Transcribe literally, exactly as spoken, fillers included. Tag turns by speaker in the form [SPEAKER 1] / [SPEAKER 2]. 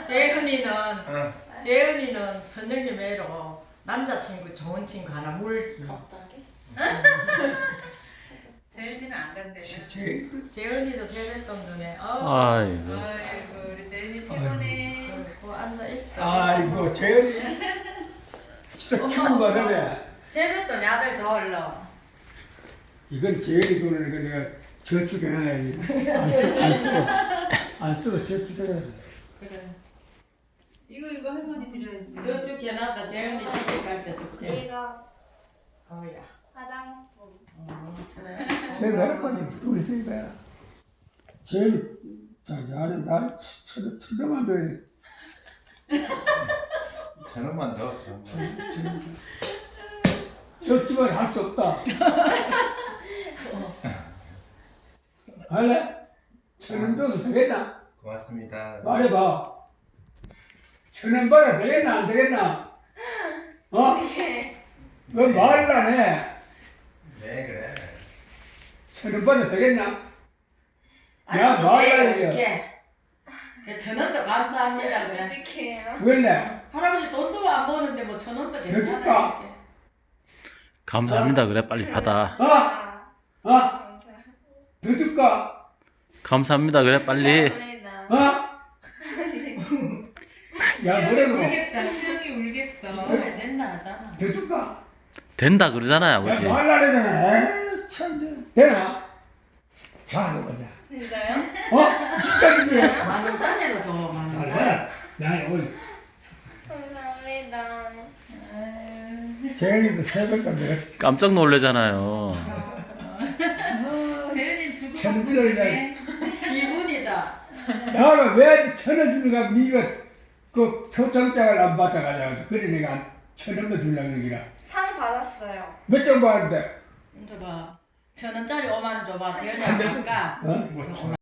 [SPEAKER 1] 재은이는
[SPEAKER 2] 응.
[SPEAKER 1] 재은이는 선영이 매로 남자친구 좋은 친구 하나 물기.
[SPEAKER 3] 갑자기?
[SPEAKER 4] 재은이는 안 간대요.
[SPEAKER 1] 재은이도 세뱃돈 눈에. 어.
[SPEAKER 5] 아이고.
[SPEAKER 4] 아이고 우리 재은이 최고네.
[SPEAKER 1] 그리고 앉아 있어.
[SPEAKER 2] 아이고 재현이 진짜 키운 거네.
[SPEAKER 1] 세뱃돈 아들 더 얼러.
[SPEAKER 2] 이건 재현이 돈을 이거 내가 저축해놔야지. 안 쓰고 안 쓰고 안 쓰고 저축해놔야지.
[SPEAKER 1] 그래.
[SPEAKER 4] 이거 이거 할머니 드려야지.
[SPEAKER 1] 저쪽 해놨다 재은이 시집 갈 때 줄게.
[SPEAKER 3] 이거
[SPEAKER 1] 어야.
[SPEAKER 3] 화장품.
[SPEAKER 1] 음, 그래.
[SPEAKER 2] 내가 할 거니 우리 집에 재현이 자 나는 나 칠백만 줘야
[SPEAKER 6] 천원만 더, 천원만.
[SPEAKER 2] 저축을 할 수 없다. 할래? 천원 줘도 되겠나?
[SPEAKER 6] 고맙습니다.
[SPEAKER 2] 말해봐. 천원 받아 되겠나 안 되겠나? 어? 너 말을 안 해.
[SPEAKER 6] 네, 그래.
[SPEAKER 2] 천원 받아 되겠나?
[SPEAKER 1] 아니,
[SPEAKER 2] 야, 말을 안
[SPEAKER 1] 이렇게.
[SPEAKER 2] 해.
[SPEAKER 1] 그 천원도 감사합니다 그래.
[SPEAKER 3] 어떻게 해요?
[SPEAKER 2] 왜래?
[SPEAKER 1] 할아버지 돈도 안 버는데 뭐 천원도
[SPEAKER 2] 줄까?
[SPEAKER 1] 괜찮아. 이렇게.
[SPEAKER 5] 감사합니다. 그래 빨리 받아.
[SPEAKER 2] 어?
[SPEAKER 3] 아,
[SPEAKER 2] 어?
[SPEAKER 3] 감사합니다.
[SPEAKER 2] 더 줄까?
[SPEAKER 5] 감사합니다. 그래 빨리.
[SPEAKER 2] 어? 야 뭐라고?
[SPEAKER 4] 울겠다. 수영이 울겠어.
[SPEAKER 1] 왜 된다 하잖아.
[SPEAKER 2] 더 줄까?
[SPEAKER 5] 된다 그러잖아요 아버지.
[SPEAKER 2] 야 말을 안 하잖아. 에이, 참. 되나? 자, 너 보자.
[SPEAKER 3] 진짜요?
[SPEAKER 2] 어? 진짜인데?
[SPEAKER 1] 만 원짜리로 줘. 만 원.
[SPEAKER 2] 잘해. 나 오늘
[SPEAKER 3] 감사합니다.
[SPEAKER 2] 재현이도 새벽까지 내가
[SPEAKER 5] 깜짝 놀래잖아요.
[SPEAKER 4] 재은이 주고
[SPEAKER 2] 천
[SPEAKER 4] 받고
[SPEAKER 2] 원이네.
[SPEAKER 4] 있네.
[SPEAKER 1] 기분이다.
[SPEAKER 2] 나는 왜 천원 주는가? 네가 그 표창장을 안 받아가지고 그래 내가 천 원만 주려고 그러기라.
[SPEAKER 3] 상 받았어요.
[SPEAKER 2] 몇 장 받았는데?
[SPEAKER 1] 이제 봐. 천 원짜리 오만 원 줘봐. 재현이
[SPEAKER 2] 안 돼.
[SPEAKER 1] 아까.
[SPEAKER 2] 어?